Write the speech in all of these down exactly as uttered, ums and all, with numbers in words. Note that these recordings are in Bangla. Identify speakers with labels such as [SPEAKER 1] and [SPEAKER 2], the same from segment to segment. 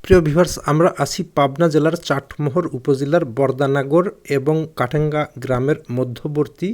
[SPEAKER 1] প্রিয় ভিউয়ার্স, আমরা আছি পাবনা জেলার চাটমোহর উপজেলার বরদানগর এবং কাটেঙ্গা গ্রামের মধ্যবর্তী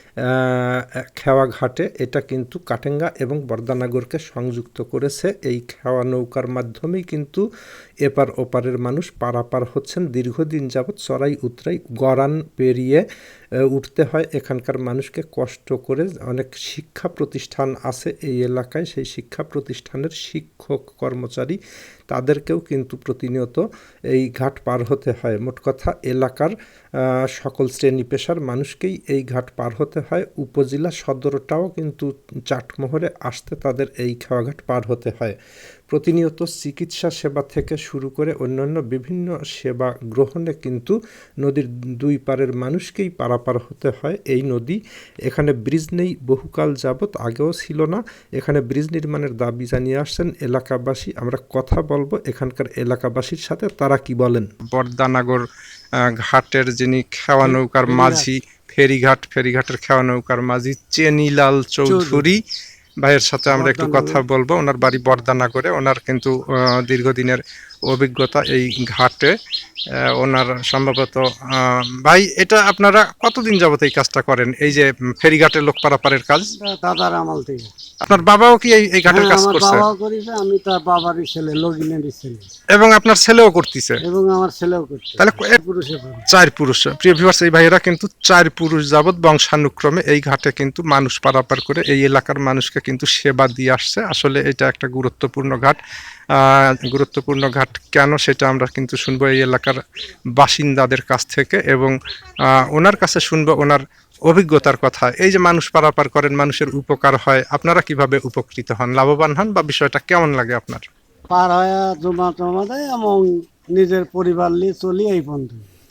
[SPEAKER 1] খেওয়া ঘাটে। এটা কিন্তু কাটেঙ্গা এবং বরদানগরকে সংযুক্ত করেছে। এই খেওয়া নৌকার মাধ্যমেই কিন্তু এপার ওপারের মানুষ পারাপার হচ্ছেন। দীর্ঘদিন যাবৎ চড়াই উতরাই গড়ান পেরিয়ে উঠতে হয় এখানকার মানুষকে কষ্ট করে। অনেক শিক্ষা প্রতিষ্ঠান আছে এই এলাকায়, সেই শিক্ষা প্রতিষ্ঠানের শিক্ষক কর্মচারী তাদেরকেও কিন্তু প্রতিনিয়ত এই ঘাট পার হতে হয়। মোট কথা এলাকার সকল শ্রেণী পেশার মানুষকেই এই ঘাট পার হতে হয়। উপজেলা সদরটাও কিন্তু চাটমোহরে আসতে তাদের এই খেওয়াঘাট পার হতে হয়। প্রতিনিয়ত চিকিৎসা সেবা থেকে শুরু করে অন্যান্য বিভিন্ন সেবা গ্রহণে কিন্তু নদীর দুই পারের মানুষকেই পারাপার হতে হয় এই নদী। এখানে ব্রিজ নেই বহুকাল যাবৎ, আগেও ছিল না। এখানে ব্রিজ নির্মাণের দাবি জানিয়ে আসছেন এলাকাবাসী। আমরা কথা বলবো এখানকার এলাকাবাসীর সাথে, তারা কি বলেন। বরদানগর ঘাটের যিনি খেওয়া নৌকার মাঝি, ফেরিঘাট ফেরিঘাটের খেওয়া নৌকার মাঝি চেনিলাল চৌধুরী ভাইয়ের সাথে আমরা একটু কথা বলবো। ওনার বাড়ি বরদানগরে। ওনার কিন্তু দীর্ঘদিনের অভিজ্ঞতা এই ঘাটে। ওনার সম্ভবত ভাই, এটা আপনারা কতদিন যাবত এই কাজটা করেন, এই যে ফেরিঘাটের লোক পারাপারের কাজ?
[SPEAKER 2] দাদার আমল থেকে।
[SPEAKER 1] আপনার বাবাও কি এই ঘাটের কাজ করছে?
[SPEAKER 2] বাবাও করেছে, আমি তার বাবারই ছেলে, লগিনেরই ছেলে।
[SPEAKER 1] এবং আপনার ছেলেও করতেছে?
[SPEAKER 2] এবং আমার ছেলেও করছে।
[SPEAKER 1] তাহলে
[SPEAKER 2] পুরুষে
[SPEAKER 1] চার পুরুষ। প্রিয় ভিউয়ার্স, এই ভাইয়েরা কিন্তু চার পুরুষ যাবৎ বংশানুক্রমে এই ঘাটে কিন্তু মানুষ পারাপার করে এই এলাকার মানুষকে কিন্তু সেবা দিয়ে আসছে। আসলে এটা একটা গুরুত্বপূর্ণ ঘাট। গুরুত্বপূর্ণ ঘাট কেন সেটা আমরা কিন্তু শুনবো এই এলাকার বাসিন্দাদের কাছ থেকে, এবং ওনার কাছে শুনবো ওনার অভিজ্ঞতার কথা। এই যে মানুষ পারাপার করেন, মানুষের উপকার হয়, আপনারা কিভাবে উপকৃত হন, লাভবান হন, বা বিষয়টা কেমন লাগে আপনার?
[SPEAKER 2] পার হয় জমা টমা দেয় এবং নিজের পরিবার নিয়ে চলি এই পর্যন্ত।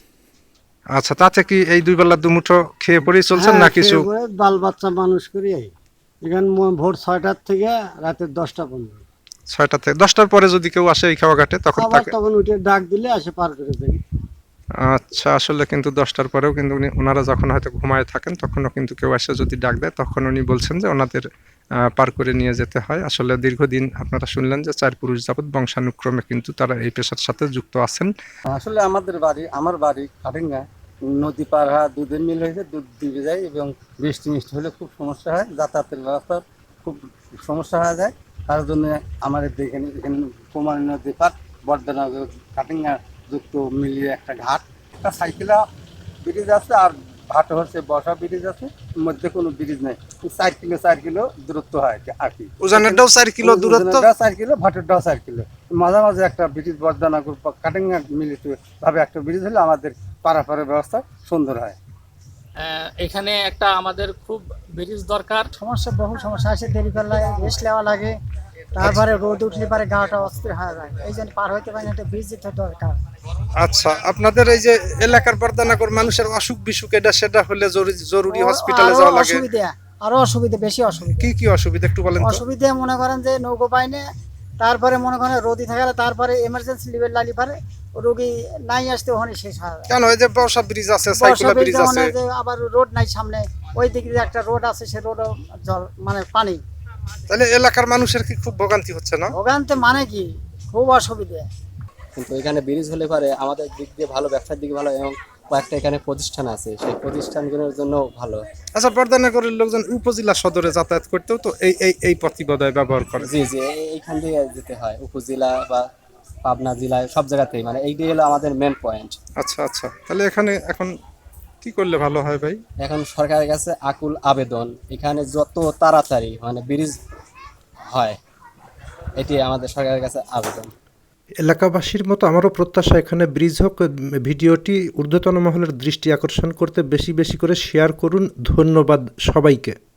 [SPEAKER 1] আচ্ছা, তাতে কি এই দুই বেলা দুমুঠো খেয়ে পরেই চলছেন না কিছু?
[SPEAKER 2] বাল বাচ্চা মানুষ করি। এখানে ভোর ছয়টার থেকে রাতের দশটা পর্যন্ত।
[SPEAKER 1] ছয়টা থেকে দশটার পরে যদি কেউ আসে এই খাওয়া ঘাটে তখন
[SPEAKER 2] তখন উঠে ডাক দিলে আসে পার করে দেয়।
[SPEAKER 1] আচ্ছা, আসলে কিন্তু দশটার পরেও কিন্তু উনি ওনারা যখন হয়তো ঘুমায় থাকেন তখনও কিন্তু কেউ এসে যদি ডাক দেয় তখন উনি বলছেন যে ওনাদের পার করে নিয়ে যেতে হয়। আসলে দীর্ঘদিন আপনারা শুনলেন যে চার পুরুষ যাবৎ বংশানুক্রমে কিন্তু তারা এই পেশার সাথে যুক্ত আছেন।
[SPEAKER 2] আসলে আমাদের বাড়ি আমার বাড়ি কাটেঙ্গা, নদী পার হওয়া দুধের মিল হয়েছে, দুধ দিবে যায় এবং বৃষ্টি মিষ্টি হলে খুব সমস্যা হয়, যাতায়াতের ব্যবস্থা খুব সমস্যা হয়ে যায়। তার জন্য আমাদের এখানে এখানে কুমারী নদী পার বরদানগর কাটেঙ্গা যুক্ত মিলিয়ে একটা ঘাট, একটা সাইকেলা ব্রিজ আছে আর ঘাট হচ্ছে বসা ব্রিজ আছে, মধ্যে কোনো ব্রিজ নেই। চার কিলো চার কিলো দূরত্ব হয় আর কি।
[SPEAKER 1] ওজনেরটাও চার কিলো দূরত্ব,
[SPEAKER 2] চার কিলো ভাটেরটাও চার কিলো। মাঝামাঝি একটা ব্রিজ বরদানগর কাটেঙ্গা মিলিত ভাবে একটা ব্রিজ হলে আমাদের পারাপারের ব্যবস্থা সুন্দর হয়।
[SPEAKER 3] এখানে একটা আমাদের খুব ব্রিজ দরকার।
[SPEAKER 4] সমস্যা বহু সমস্যা আছে, দেরি করলে রেস্ট নেওয়া লাগে, তারপরে রোদ উঠলে পারে গাটা অস্থির হয়ে যায়, এই জন্য পার হইতে পারে একটা ব্রিজ দিতে দরকার।
[SPEAKER 1] আচ্ছা, আপনাদের এই যে এলাকার বরদানগর মানুষের অসুখ বিসুখ এটা সেটা হলে জরুরি হসপিটালে যাওয়া লাগে?
[SPEAKER 4] অসুবিধা, আরো অসুবিধা, বেশি অসুবিধা।
[SPEAKER 1] কি কি অসুবিধা একটু বলেন।
[SPEAKER 4] অসুবিধা মনে করেন যে নৌকো পাইনে, তারপরে মনে করেন রোদি থাকলে তারপরে এমার্জেন্সি লিভেল লালি পারে রোগী নাই আসতে ওখানে শেষ হয়।
[SPEAKER 1] কেন এই যে বর্ষা ব্রিজ আছে, সাইকেল ব্রিজ আছে,
[SPEAKER 4] আবার রোড নাই সামনে, ওই দিকে একটা রোড আছে, সে রোডও জল মানে পানি।
[SPEAKER 1] তাহলে এলাকার মানুষের কি খুব ভোগান্তি হচ্ছে না?
[SPEAKER 4] ভোগান্তি মানে কি, খুব অসুবিধা।
[SPEAKER 5] কিন্তু এখানে ব্রিজ হলে পারে আমাদের দিক দিয়ে ভালো, ব্যবসার দিকে ভালো, এবং কয়েকটা এখানে প্রতিষ্ঠান আছে, সেই প্রতিষ্ঠানগুলোর জন্য ভালো।
[SPEAKER 1] আচ্ছা, বরদানগরের লোকজন উপজেলা সদরে যাতায়াত করতেও তো এই এই এই পথিবদয় ব্যবহার করে?
[SPEAKER 5] জি জি, এইখান থেকে যেতে হয় উপজেলা বা পাবনা জেলায় সব জায়গাতেই, মানে এইটাই হলো আমাদের মেন পয়েন্ট।
[SPEAKER 1] আচ্ছা আচ্ছা, তাহলে এখানে এখন কি করলে ভালো হয় ভাই?
[SPEAKER 5] এখন সরকারের কাছে আকুল আবেদন, এখানে যত তাড়াতাড়ি মানে ব্রিজ হয় এটি আমাদের সরকারের কাছে আবেদন।
[SPEAKER 1] এলাকাবাসীর মতো আমারও প্রত্যাশা এখানে ব্রিজ হোক। ভিডিওটি ঊর্ধ্বতন মহলের দৃষ্টি আকর্ষণ করতে বেশি বেশি করে শেয়ার করুন। ধন্যবাদ সবাইকে।